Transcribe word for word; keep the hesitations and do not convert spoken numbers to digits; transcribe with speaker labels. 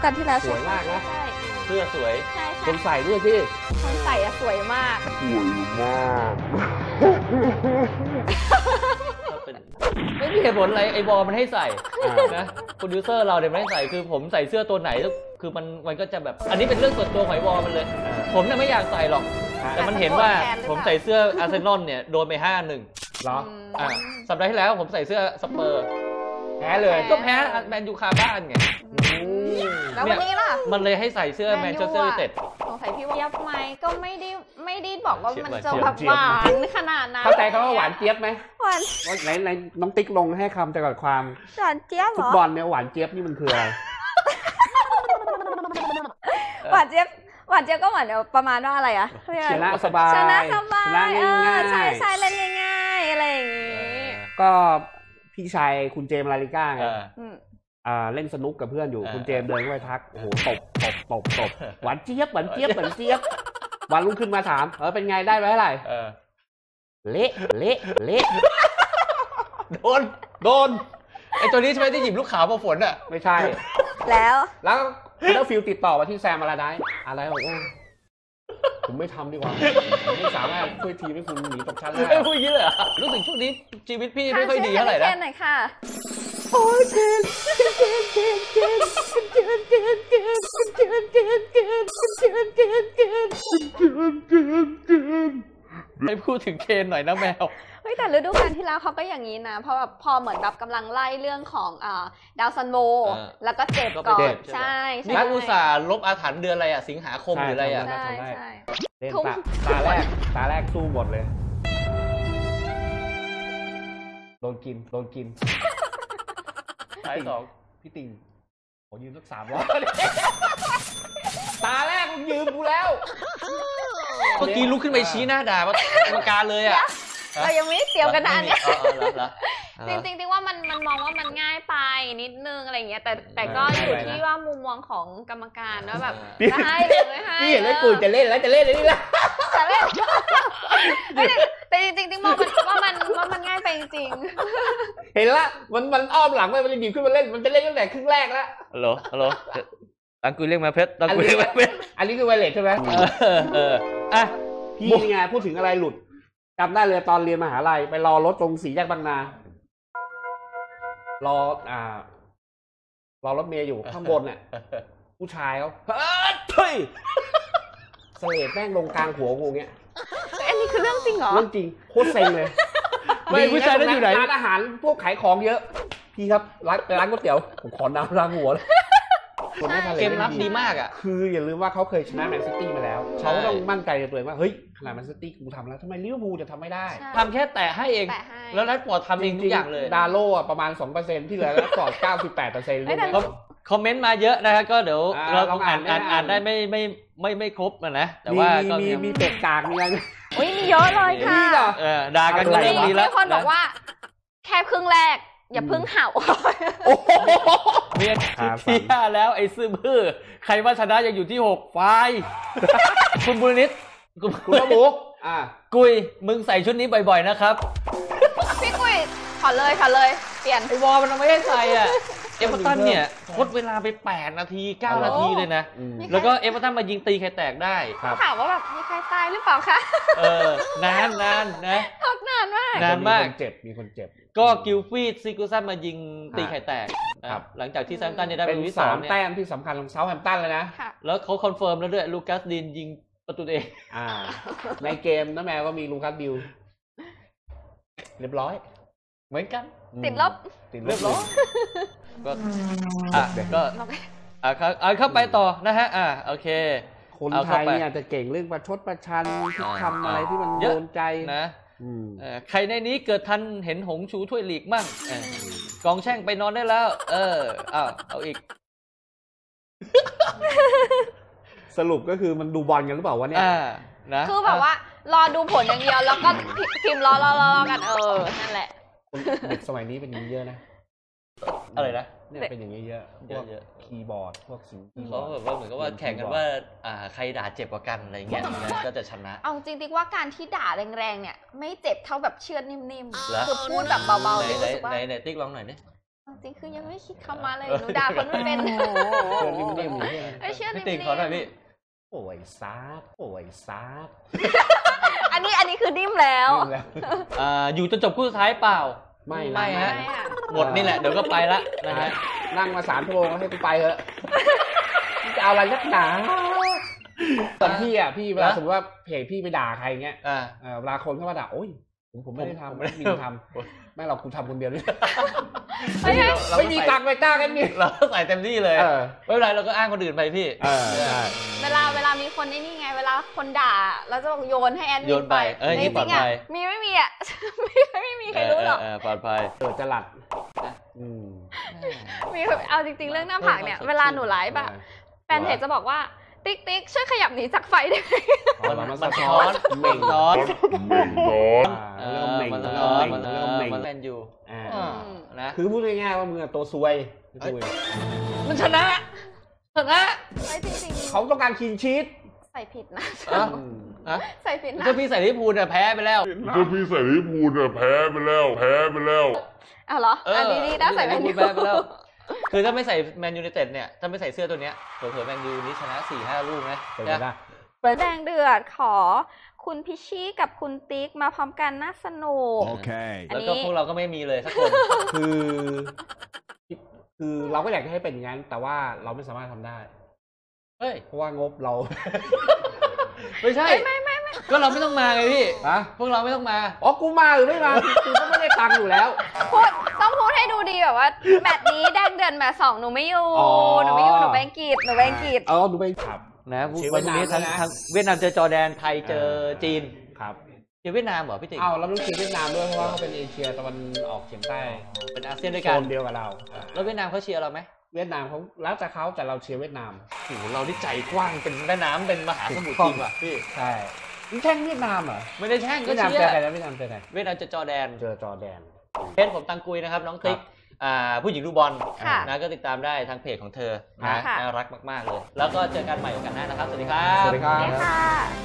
Speaker 1: กันที่แล้ว
Speaker 2: สวยมากนะเสื้อสวยคนใส่ด้วยพี่
Speaker 1: คนใส่อะสวยมาก
Speaker 2: สวยมากไม่มีเหตุผลอะไรไอ้บอลมันให้ใส่นะโปรดิวเซอร์เราเนี่ยไม่ให้ใส่คือผมใส่เสื้อตัวไหนคือมันมันก็จะแบบอันนี้เป็นเรื่องส่วนตัวของไอ้บอลมันเลยผมเนี่ยไม่อยากใส่หรอกแต่มันเห็นว่าผมใส่เสื้ออาร์เซนอลเนี่ยโดนไปห้าหนึ่ง
Speaker 3: เหรอ
Speaker 2: อ่าสัปดาห์ที่แล้วผมใส่เสื้อสเปอร์
Speaker 3: แพ้เลย
Speaker 2: ก็แพ้แมนยูคาบ้านไง
Speaker 1: แล้ววันนี้ล่ะ
Speaker 2: มันเลยให้ใส่เสื้อแมนเชสเตอร์ยูไนเต็ด
Speaker 1: สงสัยพี่ว่าเจี๊ยบไหมก็ไม่ได้ไม่ได้บอกว่ามันจะแบบหวานขนาดนั้น
Speaker 3: เข้าใจคำว่าหวานเจี๊ยบไหม
Speaker 1: หวาน
Speaker 3: ไหนไหนน้องติ๊กลงให้คำจำกัดความ
Speaker 1: หวานเจี๊ยบเหรอ
Speaker 3: ฟุตบอลเนี่ยหวานเจี๊ยบนี่มันคืออะไร
Speaker 1: หวานเจี๊ยบหวานเจี๊ยบก็เหมือนประมาณว่าอะไรอะ
Speaker 3: ชนะสบาย
Speaker 1: ชนะสบายเออใช่ใช่เล่นง่ายๆอะไรอย่างงี้
Speaker 3: ก็พี่ชายคุณเจมส์ลาลิก้าไงอ่าเล่นสนุกกับเพื่อนอยู่คุณเจมส์เดินเข้าไปทักโอ้โหตบตบตบตบหวานเจี๊ยบหวานเจี๊ยบหวานเจี๊ยบวันรุ่งขึ้นมาถามเออเป็นไงได้ไปเท่าไหร่เละเละเละ
Speaker 2: โดนโดนไอตัวนี้ใช่ไหมที่หยิบลูกขาวมาฝนอ่ะ
Speaker 3: ไม่ใช่
Speaker 1: แล้ว
Speaker 3: แล้วแล้วฟิลติดต่อมาที่แซมมาลาไดอะไรบอกว่าผมไม่ทำดีกว่าผมไม่สามารถช่วยทีมให้คุณหนีตกชั้นได้
Speaker 2: ไม่พูดอย่างนี้เลยรู้สึกช่วงนี้ชีวิตพี่ไม่ค่อยดีเท่าไหร่นะ
Speaker 1: เคนหน่อยค่ะ
Speaker 3: โอ้ยเคนเคนเคนเคนเคนเคนเคนเคนเคนเคนเคนเคนเคนเคนเคนเคนเคน
Speaker 2: ให้พูดถึงเคนหน่อยนะแมว
Speaker 1: เฮ้ยแต่ฤดูกาลที่แล้วเขาก็อย่างนี้นะเพราะแบบพอเหมือนแบบกำลังไล่เรื่องของอ่าดาวซันโวแล้วก็เจ็บก่อนใช่ใช่
Speaker 2: นักอุตสาห์ลบอาถรรพ์เดือนอะไรอ่ะสิงหาคมหรืออะไรอ่ะ
Speaker 1: ใช่ใช่
Speaker 3: เล่นตาตาแรกตาแรกสู้หมดเลยโดนกินโดนกิน
Speaker 2: ท้ายสอง
Speaker 3: พี่ติ่งผมยืมสักสามร้อยตาแรกมึงยืมกูแล้ว
Speaker 2: เมื่อกี้ลุกขึ้นไปชี้หน้าด่ากรรมการเลยอ่ะ
Speaker 1: เรายังไม่ได้เตรียมกันนานเนี่ยจริงจริงๆว่ามันมันมองว่ามันง่ายไปนิดนึงอะไรเงี้ยแต่แต่ก็อยู่ที่ว่ามุมมองของกรรมการว่าแบบจะให้หรือไม่ให้
Speaker 3: พี่เห็นแล้วกูจะเล่นแล้วจะเล่นอะไรนี่ละ
Speaker 1: จะเล่นแต่จริงๆมองว่ามันว่ามันง่ายไปจริง
Speaker 3: เห็นละมันมันอ้อมหลังไปมันจะหยิบขึ้นมาเล่นมันจะเล่นตั้งแต่ครึ่งแรกแล้ว
Speaker 2: ฮัลโหลฮัลโหลตังกุยเรียกมาเพชรตังกุยเรียกมาเพชร
Speaker 3: อันนี้คือไวเลสใช่ไหม
Speaker 2: เอออ่ะ
Speaker 3: พี่นี่ไงพูดถึงอะไรหลุดจำได้เลยตอนเรียนมหาลัยไปรอรถตรงสี่แยกบางนารออ่ารอรถเมย์อยู่ข้างบนเนี่ยผู้ชายเขาเฮ้ยเสลดแม่งลงกลางหัวกูเงี้ย
Speaker 1: อันนี้คือเรื่องจริงเหรอ
Speaker 3: เรื่องจริงโคตรเซ็งเลย
Speaker 2: ไม่ผู้ชายนั่นอยู่ไหน
Speaker 3: ร้านอาหารพวกขายของเยอะพี่ครับร้านร้านก๋วยเตี๋ยวผมขอน้ำล้างหัวเลย
Speaker 2: เกมรับดีมากอ่ะ
Speaker 3: คืออย่าลืมว่าเขาเคยชนะแมนซิตี้มาแล้วเขาต้องมั่นใจในตัวเองว่าเฮ้ยขนาดแมนซิตี้กูทำแล้วทำไมลิเวอร์พูลจะทำไม่ได้
Speaker 2: ทำแค่แตะให้เองแล้วนัดปอดทำเองทุกอย่างเลย
Speaker 3: ดาโล่ประมาณ สองเปอร์เซ็นต์ ที่เหลือนัดปอด เก้าสิบแปดเปอร์เซ็นต์
Speaker 2: คอมเมนต์มาเยอะนะฮะก็เดี๋ยวเราต้องอ่านอ่านอ่านได้ไม่ไม่ไม่ไม่ครบนะแต่ว่าก็
Speaker 3: มีมีเป็ดกากมีอะไร
Speaker 1: โอ้ยมีเยอะเลยค่ะ
Speaker 2: ด่ากันก็เริ่มดีแล้ว
Speaker 1: มีคนบอกว่าแค่ครึ่งแรกอย่าพึ่งเห่า
Speaker 2: เมียที่ห้าแล้วไอ้ซื่อบื้อใครว่าชนะยังอยู่ที่หกไฟคุณบุรณิต
Speaker 3: คุณระบุอ่า
Speaker 2: กุยมึงใส่ชุดนี้บ่อยๆนะครับ
Speaker 1: พี่กุยขอเลยขอเลยเปลี่ยน
Speaker 2: ไอ้วอลมันไม่ให้ใส่อ่ะเอเวอร์ตันเนี่ยทดเวลาไปแปดนาทีเก้านาทีเลยนะแล้วก็เอเวอร์ตันมายิงตีใครแตกได้
Speaker 1: ถามว่าแบบมีใครตายหรือเปล่าคะ
Speaker 2: เออนานนานนะ
Speaker 1: ทดนานมาก
Speaker 2: นานมาก
Speaker 3: เจ็บมีคนเจ็บ
Speaker 2: ก็กิลฟีดซิกูซันมายิงตีไข่แตกครับหลังจากที่แซมตันได้
Speaker 3: เป็นที่สามแต้มที่สำคัญของเซาท์แฮมป์ตันเลยนะ
Speaker 2: แล้วเขาคอนเฟิร์มแล้วด้วยลูคัสดินยิงประตูเอง
Speaker 3: อ่าในเกมนะแม่ก็มีลูคัสดิลเรียบร้อย
Speaker 2: เหมือนกัน
Speaker 1: ติดลบ
Speaker 3: ติดเรียบร้อย
Speaker 2: ก็อ่ะก็อ่ะอ่ะเข้าไปต่อนะฮะอ่ะโอเค
Speaker 3: คนไทยเนี่ยจะเก่งเรื่องประชดประชันที่ทำอะไรที่มันโดนใจ
Speaker 2: นะใครในนี้เกิดทันเห็นหงชูถ้วยลีกมั่งกองแช่งไปนอนได้แล้วเอออ้าวเอาอีก
Speaker 3: สรุปก็คือมันดูบอลกันหรือเปล่าวะเนี่ย
Speaker 2: นะ
Speaker 1: คือแบบว่ารอดูผลอย่างเดียวแล้วก็พิมพ์รอรอรอกันเออนั่นแหละ
Speaker 3: เด็กสมัยนี้เป็นอย่างนี้เยอะนะ
Speaker 2: อะไรนะ
Speaker 3: เนี่ยเป็นอย่างนี้เยอะพวกคีย์บอร์ดพวกสิ่งที่
Speaker 2: เขาแบบว่าเหมือนกับว่าแข่งกันว่าอ่าใครด่าเจ็บกว่ากันอะไรเงี้ยก็จะชนะ
Speaker 1: เอาจริงๆว่าการที่ด่าแรงๆเนี่ยไม่เจ็บเท่าแบบเชือดนิ่มๆคือพูดแบบเบาๆ
Speaker 2: ไหนไหนไหนติ๊กลองหน่อยดิ
Speaker 1: ริงๆคือยังไม่คิดคำมาเลยหนูด่าคนไม่เป็น
Speaker 3: เพื่อนนิ่มๆอยู่ที่
Speaker 1: ไม่เชื่อ
Speaker 2: พี่
Speaker 1: นิ่
Speaker 2: ติ่ง
Speaker 1: ม
Speaker 2: ขอหน่อยพี่
Speaker 3: โอ้ยซาดโอ้ยซาด
Speaker 1: ๆอันนี้อันนี้คือนิ่มแล้ว
Speaker 2: อ่าอยู่จนจบคู่สุดท้ายเปล่า
Speaker 3: ไม่
Speaker 2: ไม่
Speaker 3: นะ
Speaker 2: ฮะ
Speaker 1: ไม่อะ
Speaker 2: หมดนี่แหละเดี๋ยวก็ไปละนะฮะ
Speaker 3: นั่งมาสามชั่วโมงแล้วให้กูไปเถอะจะเอาอะไรนักหนาตอนพี่อ่ะพี่เวลาสมมติว่าเพจพี่ไปด่าใครเงี้ย
Speaker 2: อ่า
Speaker 3: เเวลาคนเข้ามาด่าโอ้ยผมผมไม่ได้
Speaker 2: ผม
Speaker 3: ทำ
Speaker 2: ไม่
Speaker 3: ไม่
Speaker 2: ได้
Speaker 3: มีทำไม่หรอกกูทำคนเดียวนี่
Speaker 1: ไม่ใช่
Speaker 2: เรา
Speaker 3: ไม่มีตังค์ไปจ้างกันนี่
Speaker 2: เราใส่เต็มที่เลย
Speaker 3: เออ
Speaker 2: ไม่เป็นไรเราก็อ้างคนอื่นไปพี่
Speaker 3: เออใช่
Speaker 1: เวลาเวลามีคนนี่นี่ไง เวลาคนด่าเราจะบอกโยนให้แอดมิ
Speaker 2: โย
Speaker 1: น
Speaker 2: น
Speaker 1: ไป
Speaker 2: ไปเอ้ย
Speaker 1: จ
Speaker 2: นี่ปลอ
Speaker 1: ริ
Speaker 2: ด
Speaker 1: งๆ
Speaker 2: ภั
Speaker 1: อ่ะ
Speaker 2: ย
Speaker 1: มีไม่มีอ่ะ ไม่ไม่มีใครรู้หรอก
Speaker 2: เออปลอดภัย
Speaker 3: เกิดจะหลัดอืม
Speaker 1: มีเอาจริงๆเรื่องหน้าผากเนี่ย เวลาหนูไลฟ์อะแฟนเพจจะบอกว่าติ๊กติ๊กช่วยขยับหนีจากไฟได้ไหม
Speaker 2: มันมันสะท้อนเหม่งท้อน
Speaker 3: อ่าเริ่มเหม่ง
Speaker 2: มันสะ
Speaker 3: เริ่
Speaker 2: ท้
Speaker 3: ม
Speaker 2: อน
Speaker 3: เหม่ง
Speaker 2: มัน
Speaker 3: เริ่มเหม่ง
Speaker 2: มันแมนยู
Speaker 3: อ่า
Speaker 2: อ่านะ
Speaker 3: คือพูดง่ายๆว่ามึงอะตัวซวยซวย
Speaker 2: มันชนะชนะ
Speaker 1: ไม่จริงๆ
Speaker 3: เขาต้องการคีนชีต
Speaker 1: ใส่ผิดนะ
Speaker 2: อ่ะ
Speaker 3: อืม
Speaker 2: อ่ะ
Speaker 1: ใส่ผิดนะ
Speaker 2: ถ้าพี่ใส่ลิเวอร์พูลเนี่ยแพ้ไปแล้ว
Speaker 4: ถ้าพี่ใส่ลิเวอร์พูลเนี่ยแพ้ไปแล้วแพ้ไปแล้ว
Speaker 1: อ้าวเหรออันนี้ดีนะใส่แมนยู
Speaker 2: ลิเวอร์พูลแพ้ไปแล้ว คือถ้าไม่ใส่แมนยูไนเต็ดเนี่ยถ้าไม่ใส่เสื้อตัวเนี้ยเผื่อๆแมนยูนี้ชนะ สี่ห้า ลูกนะ
Speaker 3: เป็นไปได้
Speaker 1: แดงเดือดขอคุณพิชชี่กับคุณติ๊กมาพร้อมกันน่าสนุก
Speaker 4: Okay.
Speaker 1: อัน
Speaker 2: แล้ว
Speaker 1: นี้
Speaker 2: ก็พวกเราก็ไม่มีเลยสักคน
Speaker 3: คือ คือเราก็อยากจะให้เป็นอย่างนั้น แต่ว่าเราไม่สามารถทำได้
Speaker 2: เฮ้ย
Speaker 3: เพราะว่างบเรา
Speaker 2: ไม่ใช่
Speaker 1: ไม่ไม่ไม่
Speaker 2: ก็เราไม่ต้องมาไงพี่
Speaker 3: ฮะ
Speaker 2: พวกเราไม่ต้องมา
Speaker 3: อ๋อกูมาหรือไม่มากูก็ไม่ได้ตังค์อยู่แล้ว
Speaker 1: พูดต้องพูดให้ดูดีแบบว่าแมตช์นี้แดงเดือดแมตช์สองหนูไม่อยู่
Speaker 3: อ๋อ
Speaker 1: หนูไม่อยู่หนูไปอังกฤษหนูไปอังกฤษ
Speaker 3: เออดูไปครับ
Speaker 2: นะ
Speaker 3: เชียร์
Speaker 2: วันนี้
Speaker 3: เวียดนาม
Speaker 2: ทั้ง
Speaker 3: นะ
Speaker 2: ทั้งเวียดนามเจอจอร์แดน ไทยเจอจีน
Speaker 3: ครับ
Speaker 2: เจอเวียดนามเหรอพี่ติ๋ง
Speaker 3: อ้าวเราต้องเชียร์เวียดนามด้วยเพราะว่าเขาเป็นเอเชียตะวันออกเฉียงใต้
Speaker 2: เป็นอาเซียนด้วย
Speaker 3: โซ
Speaker 2: กัน
Speaker 3: นเดียวกับเรา
Speaker 2: แล้วเวียดนามเขาเชียร์เราไหม
Speaker 3: เวียดนามเขาแล้วแต่เขาแต่เราเชียร์เวียดนาม
Speaker 2: โอ้โหเราที่ใจกว้างเป็นแม่น้ำเป็นมหาสมุทรจริงว่ะพี่
Speaker 3: ใช่นี่แช่งเวียดนามเหรอ
Speaker 2: ไม่ได้แช่งก็
Speaker 3: เวียดนาม
Speaker 2: เชีย
Speaker 3: เจอ
Speaker 2: ร์
Speaker 3: ใครแล้วเวียดนามเจอใคร
Speaker 2: เวียดนามเจอจอร์แดน
Speaker 3: เจอจอร์แดน
Speaker 2: เพจผมตังกุยนะครับน้องติ๊กอ่าผู้หญิงดูบอล
Speaker 1: ค่ะ
Speaker 2: นะก็ติดตามได้ทางเพจของเธอนะ
Speaker 1: ค่ะ
Speaker 2: น่ารักมากๆเลย แล้วก็เจอกันใหม่โอกาสหน้านะครับ สวัสดีครับ
Speaker 3: สวัสดีครั
Speaker 1: นี่
Speaker 3: บ
Speaker 1: ค่ะ